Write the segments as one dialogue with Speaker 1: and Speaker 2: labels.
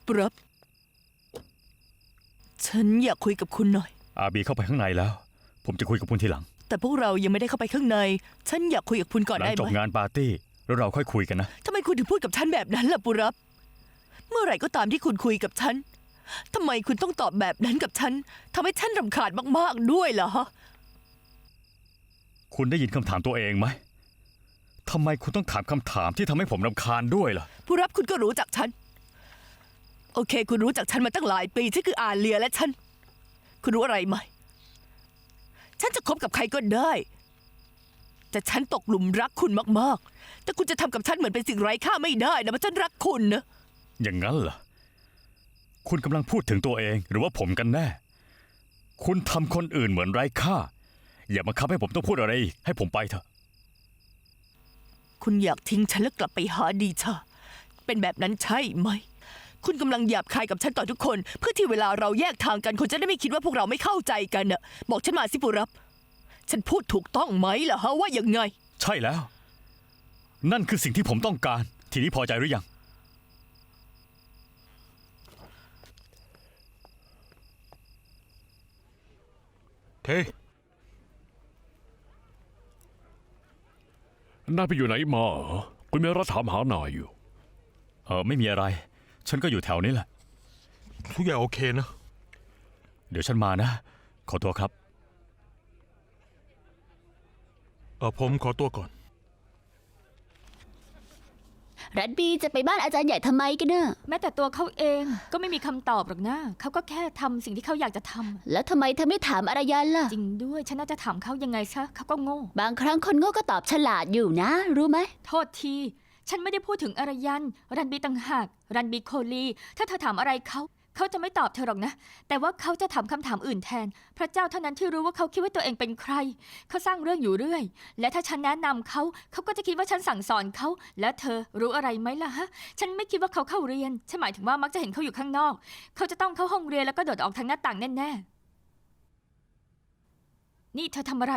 Speaker 1: ปรับฉันอยากคุยกับคุณหน่อย
Speaker 2: อาบีเข้าไปข้างในแล้วผมจะคุยกับคุณทีหลัง
Speaker 1: แต่พวกเรายังไม่ได้เข้าไปข้างในฉันอยากคุยกับคุณก่อนได้ไหม
Speaker 2: หลังจบงานปาร์ตี้แล้วเราค่อยคุยกันนะ
Speaker 1: ทำไมคุณถึงพูดกับฉันแบบนั้นล่ะปุรับเมื่อไหร่ก็ตามที่คุณคุยกับฉันทำไมคุณต้องตอบแบบนั้นกับฉันทำให้ฉันรำคาญมากๆด้วยเหรอ
Speaker 2: คุณได้ยินคำถามตัวเองไหมทำไมคุณต้องถามคำถามที่ทำให้ผมรำคาญด้วยล่ะ
Speaker 1: ปุรับคุณก็รู้จักฉันโอเคคุณรู้จักฉันมาตั้งหลายปีฉันคืออาเลียและฉันคุณรู้อะไรไหมฉันจะคบกับใครก็ได้แต่ฉันตกหลุมรักคุณมากๆแต่คุณจะทำกับฉันเหมือนเป็นสิ่งไร้ค่าไม่ได้นะเพราะฉันรักคุณนะ
Speaker 2: อย่างนั้นเหรอคุณกำลังพูดถึงตัวเองหรือว่าผมกันแน่คุณทำคนอื่นเหมือนไร้ค่าอย่ามาคับให้ผมต้องพูดอะไรอีกให้ผมไปเถอะ
Speaker 1: คุณอยากทิ้งฉันแล้วกลับไปหาดีชาเป็นแบบนั้นใช่ไหมคุณกำลังหยาบคายกับฉันต่อทุกคนเพื่อที่เวลาเราแยกทางกันคุณจะได้ไม่คิดว่าพวกเราไม่เข้าใจกันน่ะบอกฉันมาสิปุรับฉันพูดถูกต้องไหมล่ะฮะว่ายังไง
Speaker 2: ใช่แล้วนั่นคือสิ่งที่ผมต้องการทีนี้พอใจหรือยัง
Speaker 3: เท่นายไปอยู่ไหนมาเหรอคุณเมรัถามหานายอยู่
Speaker 2: ไม่มีอะไรฉันก็อยู่แถวนี้แหละ
Speaker 4: ทุกอย่างโอเคนะ
Speaker 2: เดี๋ยวฉันมานะขอตัวครับ
Speaker 4: ผมขอตัวก่อน
Speaker 5: รัดบีจะไปบ้านอาจารย์ใหญ่ทำไมกันเนอะ
Speaker 6: แม้แต่ตัวเขาเองก็ไม่มีคำตอบหรอกนะเขาก็แค่ทำสิ่งที่เขาอยากจะทำ
Speaker 5: แล้วทำไมเธอไม่ถามอารยันล่ะ
Speaker 6: จริงด้วยฉันน่าจะถามเขายังไงซะเขาก็โง่
Speaker 5: บางครั้งคนโง่ก็ตอบฉลาดอยู่นะรู้ไหม
Speaker 6: โทษทีฉันไม่ได้พูดถึงอารยันรันบีต่างหากรันบีโคลีถ้าเธอถามอะไรเขาจะไม่ตอบเธอหรอกนะแต่ว่าเขาจะถามคำถามอื่นแทนพระเจ้าเท่านั้นที่รู้ว่าเขาคิดว่าตัวเองเป็นใครเขาสร้างเรื่องอยู่เรื่อยและถ้าฉันแนะนำเขาก็จะคิดว่าฉันสั่งสอนเขาและเธอรู้อะไรไหมล่ะฮะฉันไม่คิดว่าเขาเข้าเรียนฉันหมายถึงว่ามักจะเห็นเขาอยู่ข้างนอกเขาจะต้องเข้าห้องเรียนแล้วก็โดดออกทางหน้าต่างแน่ๆนี่เธอทำอะไร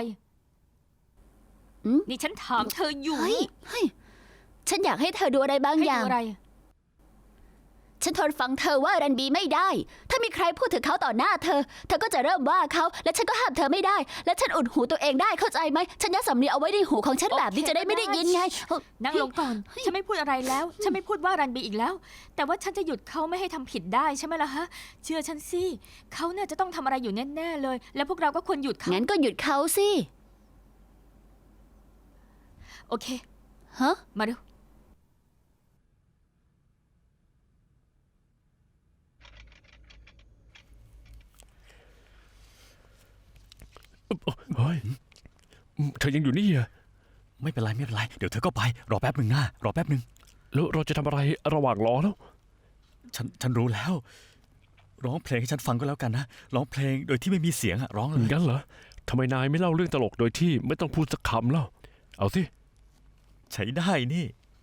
Speaker 6: นี่ฉันถามเธออยู่
Speaker 5: เฮ้ยฉันอยากให้เธอดูอะไรบางอย่างฉันทนฟังเธอว่ารันบีไม่ได้ถ้ามีใครพูดถึงเขาต่อหน้าเธอก็จะเริ่มว่าเขาและฉันก็ห้ามเธอไม่ได้และฉันอุดหูตัวเองได้เข้าใจไหมฉันยัดสำเนียงเอาไว้ในหูของฉันแบบนี้จะได้ไม่ได้ยินไง
Speaker 6: นั่งลงก่อนฉันไม่พูดอะไรแล้วฉันไม่พูดว่ารันบีอีกแล้วแต่ว่าฉันจะหยุดเขาไม่ให้ทำผิดได้ใช่ไหมล่ะฮะเชื่อฉันสิเขาเนี่ยจะต้องทำอะไรอยู่แน่ๆเลยแล้วพวกเราก็ควรหยุดเขา
Speaker 5: งั้นก็หยุดเขาสิ
Speaker 6: โอเคมาดู
Speaker 3: เฮ้ยเธอยังอยู่นี่อะ
Speaker 2: ไม่เป็นไรเดี๋ยวเธอก็ไปรอแป๊บหนึ่งนะรอแป๊บหนึ่ง
Speaker 3: แล้วเราจะทำอะไรระหว่างรอแล้ว
Speaker 2: ฉันรู้แล้วร้องเพลงให้ฉันฟังก็แล้วกันนะร้องเพลงโดยที่ไม่มีเสียงร้องเลย
Speaker 3: งั้นเหรอทำไมนายไม่เล่าเรื่องตลกโดยที่ไม่ต้องพูดสักคำเล่าเอาสิ
Speaker 2: ใช้ได้นี่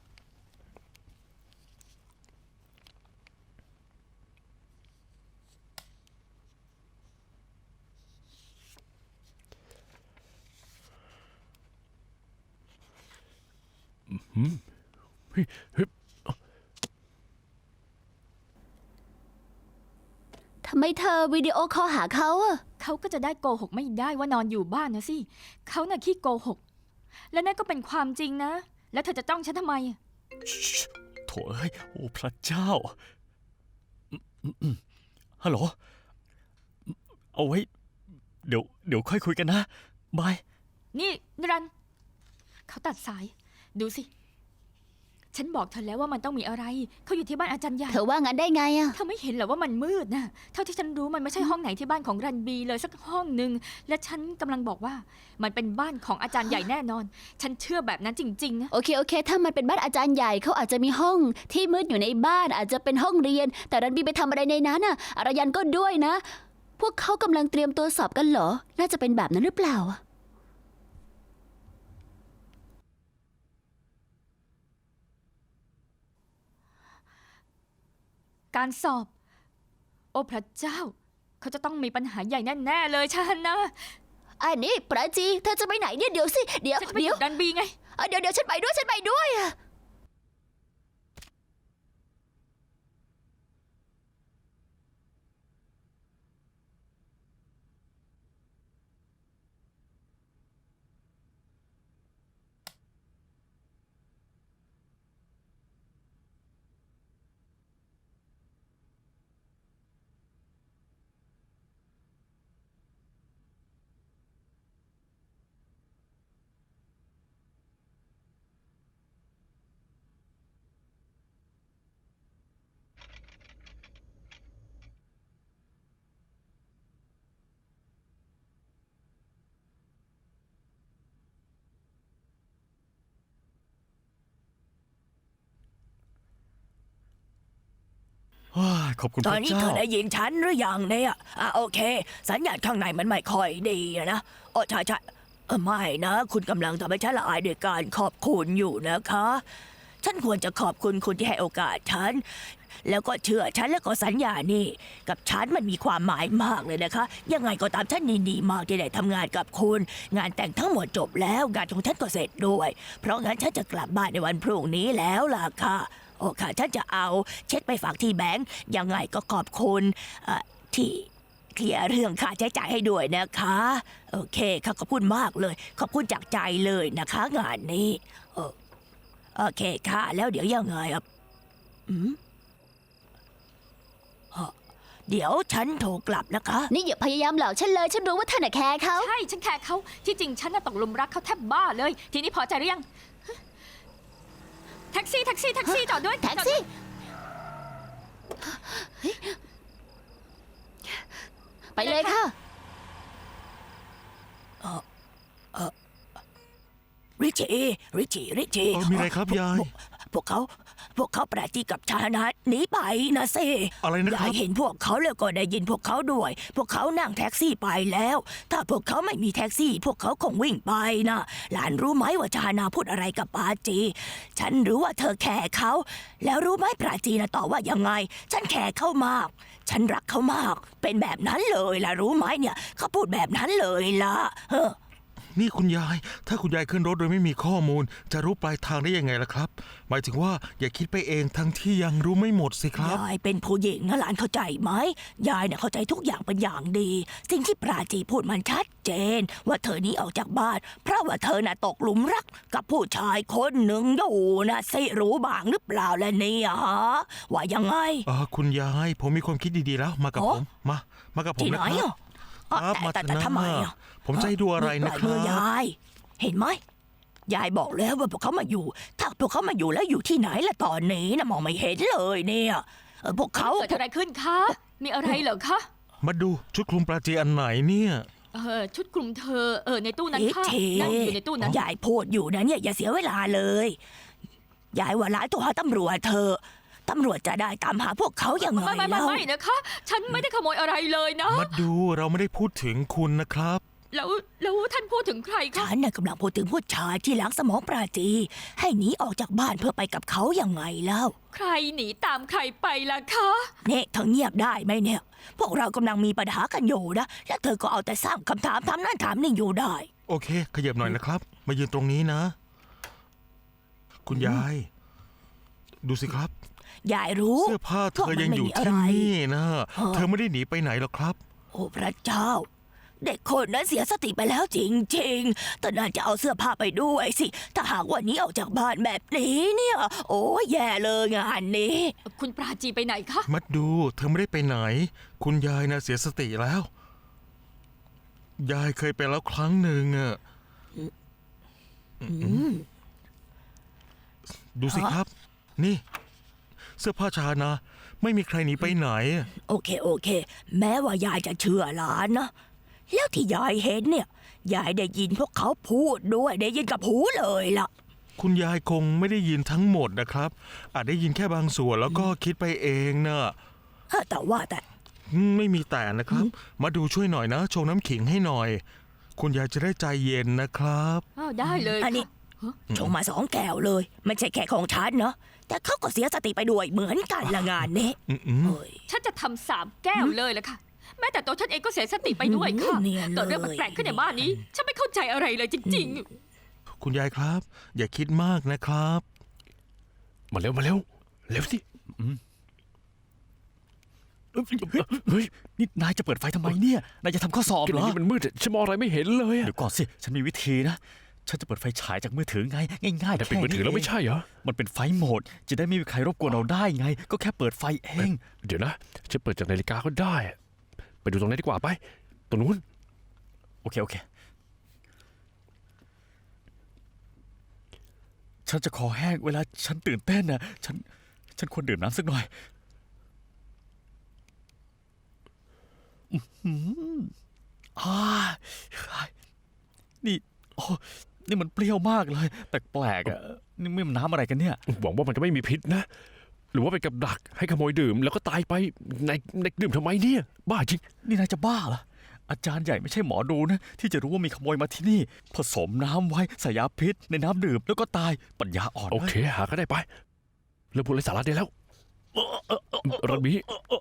Speaker 5: ทำไมเธอวิดีโอคอลหาเขาอะ
Speaker 6: เขาก็จะได้โกหกไม่ได้ว่านอนอยู่บ้านนะสิเขาน่ะขี้โกหกและนั่นก็เป็นความจริงนะแล้วเธอจะจ้องฉันทำไม
Speaker 2: โถ่เอ้ยโอ้พระเจ้าฮัลโหลเอาไว้เดี๋ยวค่อยคุยกันนะบาย
Speaker 6: นี่นิรันดร์เขาตัดสายดูสิฉันบอกเธอแล้วว่ามันต้องมีอะไรเขาอยู่ที่บ้านอาจารย์ใหญ่
Speaker 5: เธอว่างั้นได้ไงอะ
Speaker 6: เธอไม่เห็นเหรอว่ามันมืดนะเท่าที่ฉันรู้มันไม่ใช่ห้องไหนที่บ้านของรันบีเลยสักห้องหนึ่งและฉันกำลังบอกว่ามันเป็นบ้านของอาจารย์ใหญ่แน่นอนฉันเชื่อแบบนั้นจริงๆนะ
Speaker 5: โอเคถ้ามันเป็นบ้านอาจารย์ใหญ่เขาอาจจะมีห้องที่มืดอยู่ในบ้านอาจจะเป็นห้องเรียนแต่รันบีไปทำอะไรในนั้นอะอารยันก็ด้วยนะพวกเขากำลังเตรียมตัวสอบกันเหรอน่าจะเป็นแบบนั้นหรือเปล่า
Speaker 6: การสอบโอ้พระเจ้าเขาจะต้องมีปัญหาใหญ่แน่ๆเลยฉันนะ
Speaker 5: อันนี้ปราจีเธอจะไปไหนเนี่ยเดี๋ยวสิเดี๋ยว
Speaker 6: ดันบีไง
Speaker 5: เดี๋ยวฉันไปด้วยอะ
Speaker 2: ว้ายขอบคุณ
Speaker 1: ต
Speaker 2: พ
Speaker 1: อน
Speaker 2: ระ
Speaker 1: นี้
Speaker 2: เจ้า
Speaker 1: เธอได้ยินฉันหรือยังเนี่ยโอเค สัญญาณข้างในมันไม่ค่อยดีนะโอ้ใช่ใช่ไม่นะ คุณกำลังทำให้ฉันละอายด้วยการขอบคุณอยู่นะคะ ฉันควรจะขอบคุณคุณที่ให้โอกาสฉัน แล้วก็เชื่อฉันแล้วก็สัญญานี่กับฉันมันมีความหมายมากเลยนะคะ ยังไงก็ตามฉันยินดีมากที่ได้ทำงานกับคุณ งานแต่งทั้งหมดจบแล้วงานของฉันก็เสร็จด้วย เพราะงั้นฉันจะกลับบ้านในวันพรุ่งนี้แล้วล่ะค่ะ โอ้ค่ะฉันจะเอาเช็คไปฝากที่แบงก์ยังไงก็ขอบคุณที่เคลียร์เรื่องค่าใช้จ่ายให้ด้วยนะคะ โอเคค่ะขอบคุณมากเลย ขอบคุณจากใจเลยนะคะ งานนี้โอเคค่ะ แล้วเดี๋ยวยังไงเดี๋ยวฉันโทรกลับนะคะ
Speaker 5: นี่อย่าพยายามหลอกฉันเลย ฉันรู้ว่าเธอน่ะแคร์เขา
Speaker 6: ใช่ ฉันแคร์เขาที่จริงฉันน่ะตกหลุมรักเขาแทบบ้าเลย ทีนี้พอใจหรือยัง แท็กซี่แท็กซี่แท็กซี่จอดด้วย
Speaker 5: แท็กซี่ ไปเลยค่ะ
Speaker 1: ริชี่
Speaker 4: มีอะไรครับยาย
Speaker 1: พวกเขาปราจีกับชานะหนีไปนะเซ
Speaker 4: อะไรนะครับ
Speaker 1: ยายเห็นพวกเขาแล้วก็ได้ยินพวกเขาด้วย พวกเขานั่งแท็กซี่ไปแล้ว ถ้าพวกเขาไม่มีแท็กซี่ พวกเขาคงวิ่งไปนะหลานรู้ไหมว่าชานาพูดอะไรกับปราจี ฉันรู้ว่าเธอแคร์เขา แล้วรู้ไหมปราจีนะตอบว่ายังไง ฉันแคร์เขามาก ฉันรักเขามาก เป็นแบบนั้นเลยล่ะรู้ไหมเนี่ยเขาพูดแบบนั้นเลยล่ะ
Speaker 4: นี่คุณยาย ถ้าคุณยายขึ้นรถโดยไม่มีข้อมูล จะรู้ปลายทางได้ยังไงล่ะครับ หมายถึงว่าอย่าคิดไปเองทั้งที่ยังรู้ไม่หมดสิครับ
Speaker 1: ยายเป็นผู้หญิงนะหลานเข้าใจไหมยายเนี่ยเข้าใจทุกอย่างเป็นอย่างดี สิ่งที่ปราจีพูดมันชัดเจน ว่าเธอหนี้ออกจากบ้าน เพราะว่าเธอน่ะตกหลุมรักกับผู้ชายคนหนึ่งอยู่นะสิรู้บ้างหรือเปล่าล่ะเนี่ยฮะว่ายังไง
Speaker 4: คุณยาย ผมมีความคิดดีๆแล้ว มากับ
Speaker 1: โอ้
Speaker 4: ผม มากับผม
Speaker 1: ที่ไห
Speaker 4: นะ
Speaker 1: น
Speaker 4: ครับ
Speaker 1: อ่ะ
Speaker 4: ครับมา
Speaker 1: แต่
Speaker 4: เถอะนะ
Speaker 1: ทำไมอ่ะ
Speaker 4: ผมจะให้ดูอะไรนะค
Speaker 1: มื
Speaker 4: รั
Speaker 1: อยา
Speaker 4: บ
Speaker 1: ย เห็นไหมยายบอกแล้วว่าพวกเขามาอยู่ ถ้าพวกเขามาอยู่แล้วอยู่ที่ไหนล่ะตอนนี้นะมองไม่เห็นเลยเนี่ยพวกเขา
Speaker 6: เกิดอะไรขึ้นคะ มีอะไรเหรอคะ
Speaker 4: มาดูชุดคลุมปลาจีอันไหนเนี่ย
Speaker 6: ชุดคลุมเธอในตู้นั้น
Speaker 1: เอ๊ะ
Speaker 6: ค่ะ
Speaker 1: เท
Speaker 6: นั่งอยู่ในตู้นั้น
Speaker 1: ยายพูดอยู่นะเนี่ยอย่าเสียเวลาเลย ยายว่าหลานตัวหาตำรวจเธอะตำรวจจะได้ตามหาพวกเขายังไง
Speaker 6: ไม่
Speaker 1: เล่า
Speaker 6: นะคะ ฉันไม่ได้ขโมยอะไรเลยนะ
Speaker 4: มาดูเราไม่ได้พูดถึงคุณนะครับ
Speaker 6: แล้วท่านพูดถึงใครคะ
Speaker 1: ฉันน่ะกำลังพูดถึงผู้ชายที่ล้างสมองปราจี ให้หนีออกจากบ้านเพื่อไปกับเขายังไงเล่า
Speaker 6: ใครหนีตามใครไปล่ะคะ
Speaker 1: เนี่ยเธอเงียบได้ไหมเนี่ย พวกเรากำลังมีปัญหากันอยู่นะและเธอก็เอาแต่สร้างคำถามถามนั่นถามนี่อยู่ได้
Speaker 4: โอเค ขยับหน่อยนะครับ มายืนตรงนี้นะ คุณยาย ดูสิครับ
Speaker 1: ยายรู้
Speaker 4: เสื้อผ้าเธอยังอยู่ที่นี่นะ เธอไม่ได้หนีไปไหนหรอกครับ
Speaker 1: โอ้พระเจ้า เด็กคนนั้นเสียสติไปแล้วจริงๆแต่น่าจะเอาเสื้อผ้าไปด้วยสิ ถ้าหากวันนี้ออกจากบ้านแบบนี้เนี่ย โอ้ยแย่เลยงานนี้
Speaker 6: คุณปราจีไปไหนคะ
Speaker 4: มัดดู เธอไม่ได้ไปไหน คุณยายนะเสียสติแล้ว ยายเคยไปแล้วครั้งหนึ่งอะดูสิครับ นี่ เสื้อผ้าชานะ ไม่มีใครหนีไปไหน
Speaker 1: โอเค แม้ว่ายายจะเชื่อหลานนะ แล้วที่ยายเห็นเนี่ย ยายได้ยินพวกเขาพูดด้วยได้ยินกับหูเลยล่ะ
Speaker 4: คุณยายคงไม่ได้ยินทั้งหมดนะครับ อาจได้ยินแค่บางส่วนแล้วก็คิดไปเองนะ
Speaker 1: แต่ว่าแต่
Speaker 4: ไม่มีแต่นะครับ มาดูช่วยหน่อยนะชงน้ำขิงให้หน่อย คุณยายจะได้ใจเย็นนะครับ
Speaker 6: ได้เลย
Speaker 1: อันนี้
Speaker 6: ค่ะ
Speaker 1: ชงมา2 แก้วเลย ไม่ใช่แค่ของฉันเนาะแต่เขาก็เสียสติไปด้วยเหมือนกันละงานนี้
Speaker 4: อืม
Speaker 1: เอ้ย
Speaker 6: ฉันจะทำ3 แก้วเลยละค่ะ แม้แต่ตัวฉันเองก็เสียสติไปด้วยค่ะ
Speaker 1: เนียนเลย
Speaker 6: เกิดเรื่องแปลกๆขึ้นในบ้านนี้ ฉันไม่เข้าใจอะไรเลยจริง
Speaker 4: คุณยายครับ อย่าคิดมากนะครับ
Speaker 3: มาเร็วเร็วสิ
Speaker 2: เฮ้ย นี่นายจะเปิดไฟทำไมเนี่ย นายจะทำข้อสอบ
Speaker 3: กิน
Speaker 2: เห
Speaker 3: อ
Speaker 2: ร
Speaker 3: ย่าง
Speaker 2: อ
Speaker 3: นี้มันมืดฉันมองอะไรไม่เห็นเลยอะ
Speaker 2: เดี๋ยวก่อนสิ ฉันมีวิธีนะ ฉันจะเปิดไฟฉายจากมือถือไง ง่ายๆ
Speaker 3: แต่ปิดมือถือแล้วไม่ใช่เหรอ
Speaker 2: มันเป็นไฟโหมด จะได้ไม่มีใครรบกวนเราได้ไง ก็แค่เปิดไฟเอง
Speaker 3: เดี๋ยวนะฉันเปิดจากนาฬิกาก็ได้ ไปดูตรงนั้นดีกว่าไป ตรงนู้น
Speaker 2: โอเค ฉันจะคอแห้งเวลาฉันตื่นเต้นนะฉันควรดื่มน้ำสักหน่อยอื้อหือนี่โอ้นี่มันเปรี้ยวมากเลย แปลกๆอ่ะ นี่มันน้ำอะไรกันเนี่ย
Speaker 3: หวังว่ามันจะไม่มีพิษนะหรือว่าเป็นกับดักให้ขโมยดื่มแล้วก็ตายไปในดื่มทำไมเนี่ย บ้าจริง
Speaker 2: นี่นายจะบ้าเหรออาจารย์ใหญ่ไม่ใช่หมอดูนะที่จะรู้ว่ามีขโมยมาที่นี่ ผสมน้ำไว้ใส่ยาพิษในน้ำดื่มแล้วก็ตายปัญญาอ่อน
Speaker 3: โอเค หาก็ได้ไปเลิกพูดไร้สาระได้แล้วรันบี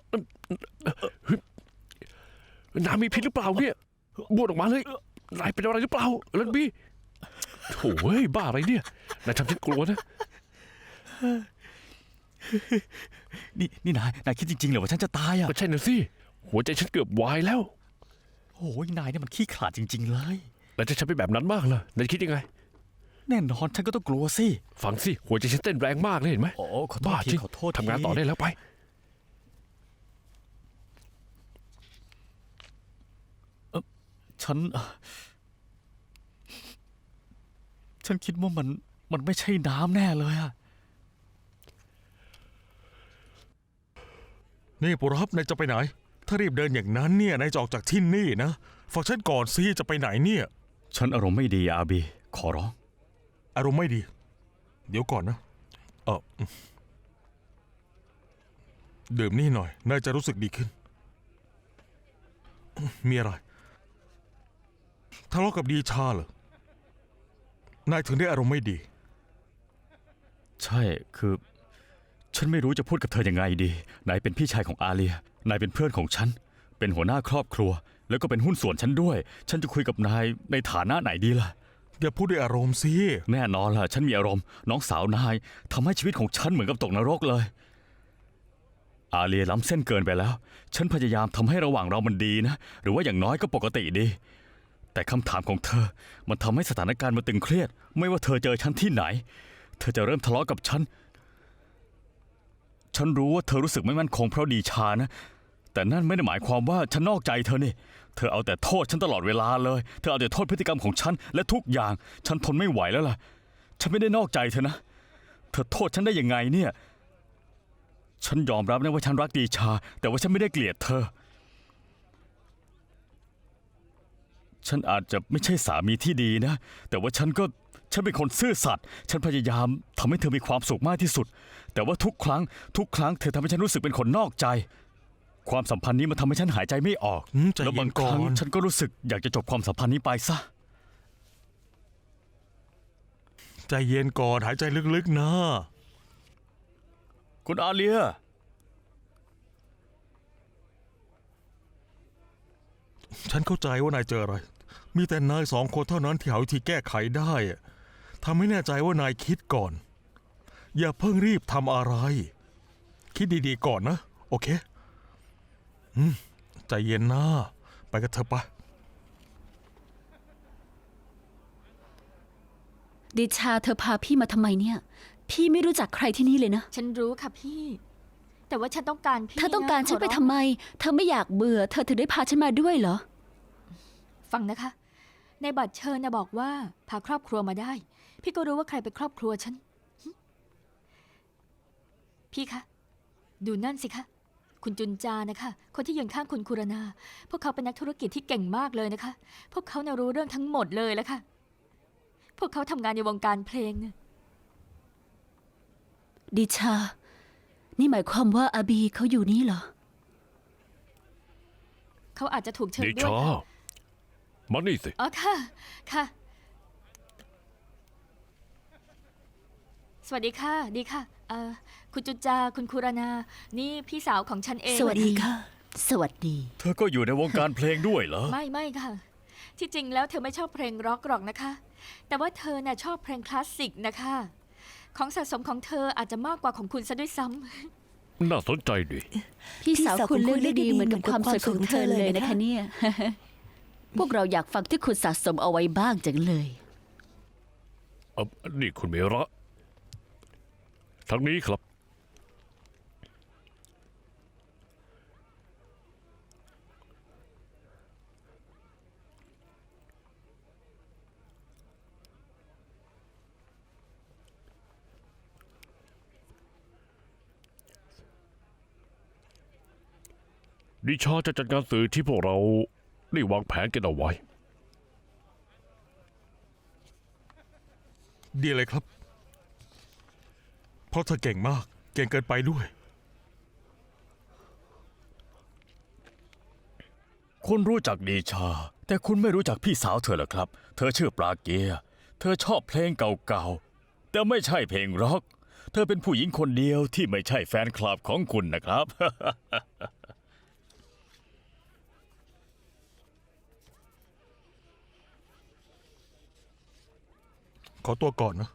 Speaker 3: น้ำมีพิษหรือเปล่าเนี่ยบ้วนออกมาเลยนายเป็นอะไรหรือเปล่ารันบีโถ่เฮ้ยบ้าอะไรเนี่ยนายทำฉันกลัวนะ
Speaker 2: นี่นายคิดจริงๆเหรอว่าฉันจะตายอ่ะ
Speaker 3: ก็ใช่น่ะสิหัวใจฉันเกือบวายแล้ว
Speaker 2: โอ้ยนายเนี่ยมันขี้ขลาดจริง ๆ เลย
Speaker 3: แล้วจะฉันเป็นแบบนั้นมากเหรอนายคิดยังไง
Speaker 2: แน่นอนฉันก็ต้องกลัวสิ
Speaker 3: ฟังสิหัวใจฉันเต้นแรงมากเลยเห็นไหม
Speaker 2: โอ้ขอโทษ
Speaker 3: บ้า
Speaker 2: ที
Speaker 3: จริง
Speaker 2: ขอโทษที
Speaker 3: ทำงานต่อได้แล้วไป
Speaker 2: ฉันคิดว่ามันไม่ใช่น้ำแน่เลยอะ
Speaker 4: นี่ปุรับนายจะไปไหน ถ้ารีบเดินอย่างนั้นเนี่ยนายจะออกจากที่นี่นะฟังฉันก่อนสิจะไปไหนเนี่ย
Speaker 2: ฉันอารมณ์ไม่ดีอาบีขอร้อง
Speaker 4: อารมณ์ไม่ดี เดี๋ยวก่อนนะดื่มนี่หน่อยนายจะรู้สึกดีขึ้น มีอะไรทะเลาะกับดีชาเหรอนายถึงได้อารมณ์ไม่ดี
Speaker 2: ใช่คือ ฉันไม่รู้จะพูดกับเธอยังไงดีนายเป็นพี่ชายของอาเลียนายเป็นเพื่อนของฉันเป็นหัวหน้าครอบครัว แล้วก็เป็นหุ้นส่วนฉันด้วย ฉันจะคุยกับนายในฐานะไหนดีล่ะ
Speaker 4: อย่าพูดด้วยอารมณ์สิ
Speaker 2: แน่นอนล่ะฉันมีอารมณ์น้องสาวนายทำให้ชีวิตของฉันเหมือนกับตกนรกเลย อาเลียล้ำเส้นเกินไปแล้ว ฉันพยายามทำให้ระหว่างเรามันดีนะ หรือว่าอย่างน้อยก็ปกติดี แต่คำถามของเธอมันทำให้สถานการณ์มันตึงเครียด ไม่ว่าเธอเจอฉันที่ไหน เธอจะเริ่มทะเลาะกับฉัน ฉันรู้ว่าเธอรู้สึกไม่มั่นคงเพราะดีชานะ แต่นั่นไม่ได้หมายความว่าฉันนอกใจเธอนี่ เธอเอาแต่โทษฉันตลอดเวลาเลย เธอเอาแต่โทษพฤติกรรมของฉันและทุกอย่าง ฉันทนไม่ไหวแล้วล่ะ ฉันไม่ได้นอกใจเธอนะ เธอโทษฉันได้ยังไงเนี่ย ฉันยอมรับนะว่าฉันรักดีชา แต่ว่าฉันไม่ได้เกลียดเธอ ฉันอาจจะไม่ใช่สามีที่ดีนะ แต่ว่าฉันเป็นคนซื่อสัตย์ฉันพยายามทำให้เธอมีความสุขมากที่สุด แต่ว่าทุกครั้งเธอทำให้ฉันรู้สึกเป็นคนนอกใจ ความสัมพันธ์นี้มันทำให้ฉันหายใจไม่ออก
Speaker 4: ใจ
Speaker 2: แล้ว
Speaker 4: เย็
Speaker 2: บาง
Speaker 4: น
Speaker 2: ค
Speaker 4: ก่อ
Speaker 2: รั้ง
Speaker 4: น
Speaker 2: ฉันก็รู้สึกอยากจะจบความสัมพันธ์นี้ไปซะ
Speaker 4: ใจเย็นก่อนหายใจลึกๆนะ
Speaker 2: คุณอาเลีย
Speaker 4: ฉันเข้าใจว่านายเจออะไร มีแต่นาย2 คนเท่านั้นที่หาวิธีแก้ไขได้อะทำให้แน่ใจว่านายคิดก่อน อย่าเพิ่งรีบทำอะไร คิดดีๆก่อนนะ โอเคใจเย็นนะไปกันเถอะปะ
Speaker 5: ดิชาเธอพาพี่มาทำไมเนี่ย พี่ไม่รู้จักใครที่นี่เลยนะ
Speaker 6: ฉันรู้ค่ะพี่ แต่ว่าฉันต้องการพี่
Speaker 5: เธอต้องการ
Speaker 6: ะ
Speaker 5: ฉันไป
Speaker 6: ขอร้
Speaker 5: ทำไม เธอไม่อยากเบื่อ เธอถึงได้พาฉันมาด้วยเหรอ
Speaker 6: ฟังนะคะ ในบัตรเชิญนะบอกว่าพาครอบครัวมาได้ พี่ก็รู้ว่าใครเป็นครอบครัวฉันหึพี่คะ ดูนั่นสิคะ คุณจุนจานะคะ คนที่ยืนข้างคุณคุรนา พวกเขาเป็นนักธุรกิจที่เก่งมากเลยนะคะ พวกเขาน่ะรู้เรื่องทั้งหมดเลยแล้วค่ะ พวกเขาทำงานในวงการเพลงนะ
Speaker 5: ดิชา นี่หมายความว่าอาบีเขาอยู่นี่เหรอ
Speaker 6: เขาอาจจะถูกเชิญ
Speaker 3: ดิ
Speaker 6: ด้วย
Speaker 3: ชา
Speaker 6: ค่ะ
Speaker 3: มานี่สิ
Speaker 6: อ๋อค่ะ ค่ะ สวัสดีค่ะ ดีค่ะ คุณจุนจา คุณคุรนา นี่พี่สาวของฉันเอง
Speaker 5: สวัสดีค่ะ สวัสดี
Speaker 2: เธอก็อยู่ในวงการเพลงด้วยเหรอ
Speaker 6: ไม่ค่ะ ที่จริงแล้วเธอไม่ชอบเพลงร็อกหรอกนะคะ แต่ว่าเธอน่ะชอบเพลงคลาสสิกนะคะ ของสะสมของเธออาจจะมากกว่าของคุณซะด้วยซ้ำ
Speaker 3: น่าสนใจดี
Speaker 5: พี่สาวคุณเลือกได้ดีเหมือนกับความสวยของเธอเลยนะคะเนี่ย พวกเราอยากฟังที่คุณสะสมเอาไว้บ้างจังเลย
Speaker 3: นี่คุณเมระทางนี้ครับ ดิชาจะจัดการสื่อที่พวกเราได้วางแผนกันเอาไว้
Speaker 4: ดีเลยครับ เพราะเธอเก่งมากเก่งเกินไปด้วย
Speaker 2: คุณรู้จักดีชา แต่คุณไม่รู้จักพี่สาวเธอเหรอครับ เธอชื่อปลาเกียร์เธอชอบเพลงเก่าๆ แต่ไม่ใช่เพลงร็อก เธอเป็นผู้หญิงคนเดียวที่ไม่ใช่แฟนคลับของคุณนะครับ
Speaker 4: ขอตัวก่อนนะ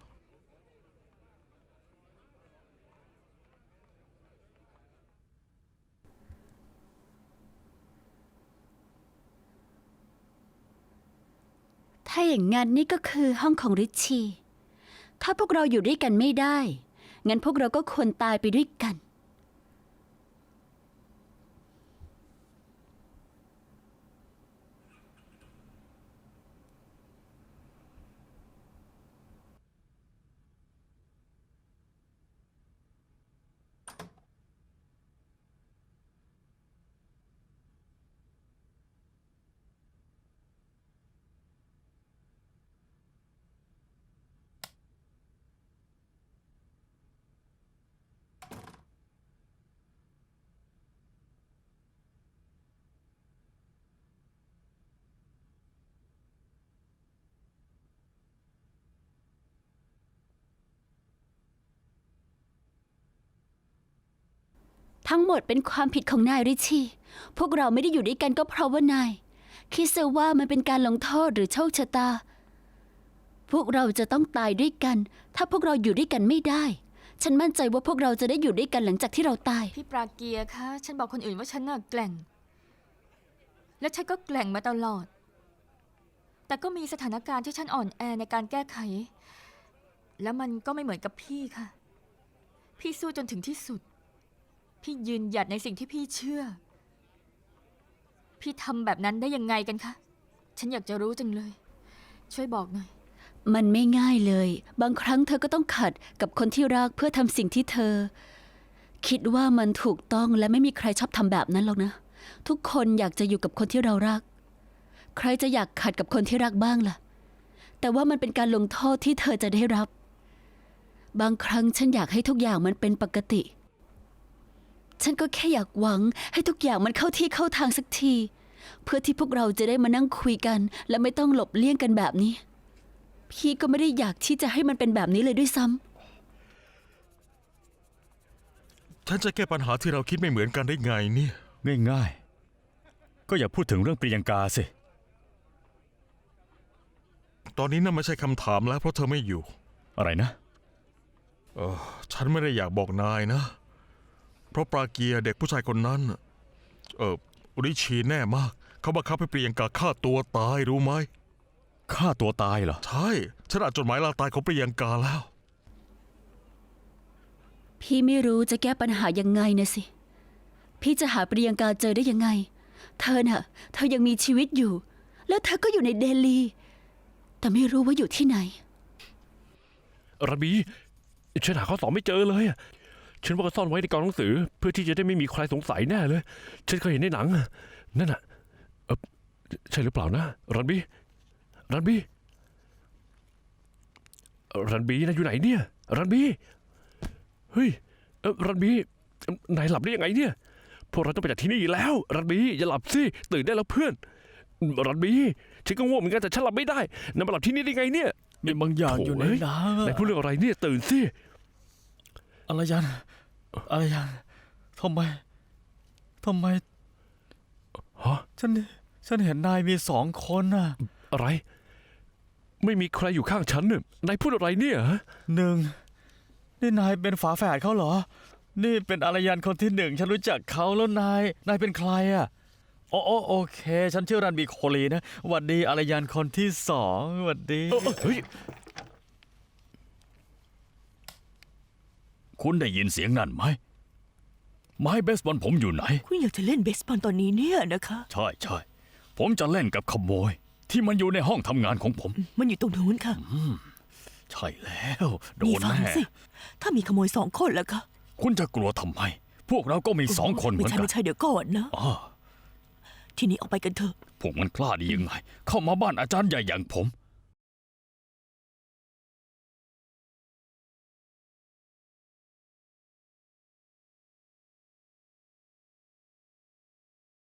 Speaker 5: ถ้าอย่างงั้นนี่ก็คือห้องของริชชี่ ถ้าพวกเราอยู่ด้วยกันไม่ได้ งั้นพวกเราก็ควรตายไปด้วยกัน ทั้งหมดเป็นความผิดของนายริชชี่ พวกเราไม่ได้อยู่ด้วยกันก็เพราะว่านาย คิดซะว่ามันเป็นการลงโทษหรือโชคชะตา พวกเราจะต้องตายด้วยกัน ถ้าพวกเราอยู่ด้วยกันไม่ได้ ฉันมั่นใจว่าพวกเราจะได้อยู่ด้วยกันหลังจากที่เราตาย
Speaker 6: พี่ปราเกียร์คะ ฉันบอกคนอื่นว่าฉันน่ะแกร่ง และฉันก็แกร่งมาตลอด แต่ก็มีสถานการณ์ที่ฉันอ่อนแอในการแก้ไข แล้วมันก็ไม่เหมือนกับพี่ค่ะ พี่สู้จนถึงที่สุด พี่ยืนหยัดในสิ่งที่พี่เชื่อ พี่ทำแบบนั้นได้ยังไงกันคะ ฉันอยากจะรู้จังเลย ช่วยบอกหน่อย
Speaker 5: มันไม่ง่ายเลย บางครั้งเธอก็ต้องขัดกับคนที่รักเพื่อทำสิ่งที่เธอ คิดว่ามันถูกต้องและไม่มีใครชอบทำแบบนั้นหรอกนะ ทุกคนอยากจะอยู่กับคนที่เรารัก ใครจะอยากขัดกับคนที่รักบ้างล่ะ แต่ว่ามันเป็นการลงโทษที่เธอจะได้รับ บางครั้งฉันอยากให้ทุกอย่างมันเป็นปกติ ฉันก็แค่อยากหวังให้ทุกอย่างมันเข้าที่เข้าทางสักที เพื่อที่พวกเราจะได้มานั่งคุยกัน และไม่ต้องหลบเลี่ยงกันแบบนี้ พี่ก็ไม่ได้อยากที่จะให้มันเป็นแบบนี้เลยด้วยซ้ำ
Speaker 4: ฉันจะแก้ปัญหาที่เราคิดไม่เหมือนกันได้ไงเนี่ย
Speaker 2: ง่ายๆ ก็อย่าพูดถึงเรื่องปริยังกาสิ
Speaker 4: ตอนนี้นั่นไม่ใช่คำถามแล้วเพราะเธอไม่อยู่
Speaker 2: อะไรนะ
Speaker 4: ฉันไม่ได้อยากบอกนายนะ เพราะปราเกียร์เด็กผู้ชายคนนั้นริชีแน่มาก เขาบังคับให้ปริยังกาฆ่าตัวตายรู้ไหม
Speaker 2: ฆ่าตัวตายเหรอ
Speaker 4: ใช่ ฉันอ่านจดหมายลาตายของปริยังกาแล้ว
Speaker 5: พี่ไม่รู้จะแก้ปัญหายังไงนะสิ พี่จะหาปริยังกาเจอได้ยังไง เธอน่ะ เธอยังมีชีวิตอยู่ แล้วเธอก็อยู่ในเดลี แต่ไม่รู้ว่าอยู่ที่ไหน
Speaker 3: รันบี ฉันหาข้อสอบไม่เจอเลยอะฉันว่าก็ซ่อนไว้ในกองหนังสือ เพื่อที่จะได้ไม่มีใครสงสัยแน่เลย ฉันเคยเห็นในหนังอะนั่นน่ะใช่หรือเปล่านะรันบี รันบี รันบีนายอยู่ไหนเนี่ยรันบี เฮ้ยรันบี นายหลับได้ยังไงเนี่ย พวกเราต้องไปจากที่นี่แล้ว รันบีอย่าหลับสิ ตื่นได้แล้วเพื่อน รันบี ฉันก็ง่วงเหมือนกันแต่ฉันหลับไม่ได้นายมาหลับที่นี่ได้ไงเนี่ย
Speaker 2: มีบางอย่างอยู่ในน้ำ
Speaker 3: นายพูดเรื่องอะไรเนี่ยตื่นสิ
Speaker 2: อะไรยันทำไม
Speaker 3: ฮะ
Speaker 2: ฉันเห็นนายมี2 คนน่ะ
Speaker 3: อะไร ไม่มีใครอยู่ข้างฉันเนี่ยนายพูดอะไรเนี่ยฮะ
Speaker 2: นี่นายเป็นฝาแฝดเขาเหรอ นี่เป็นอารยันคนที่ 1ฉันรู้จักเขาแล้วนายเป็นใครอ่ะโอเค ฉันชื่อรันบีโคลีนะหวัดดีอารยันคนที่ 2หวัดดี
Speaker 3: เฮ้ย
Speaker 2: คุณได้ยินเสียงนั่นไหม ไม้เบสบอลผมอยู่ไหน
Speaker 1: คุณอยากจะเล่นเบสบอลตอนนี้เนี่ยนะคะ
Speaker 2: ใช่ผมจะเล่นกับขโมย ที่มันอยู่ในห้องทำงานของผม
Speaker 1: มันอยู่ตรงนู้นค่ะ
Speaker 2: ใช่แล้วโด
Speaker 1: นี่
Speaker 2: น
Speaker 1: ฟัง
Speaker 2: แน่
Speaker 1: สิ ถ้ามีขโมย2 คนแล้วคะ
Speaker 2: คุณจะกลัวทำไม พวกเราก็มี2 คนเหมื
Speaker 1: ไม่
Speaker 2: อน
Speaker 1: ใช่
Speaker 2: กัน
Speaker 1: ไม่ใช่เดี๋ยวก่อนนะ
Speaker 2: อ๋อ
Speaker 1: ทีนี้ออกไปกันเถอะ
Speaker 2: พวกมันกล้าดียังไง เข้ามาบ้านอาจารย์ใหญ่อย่างผม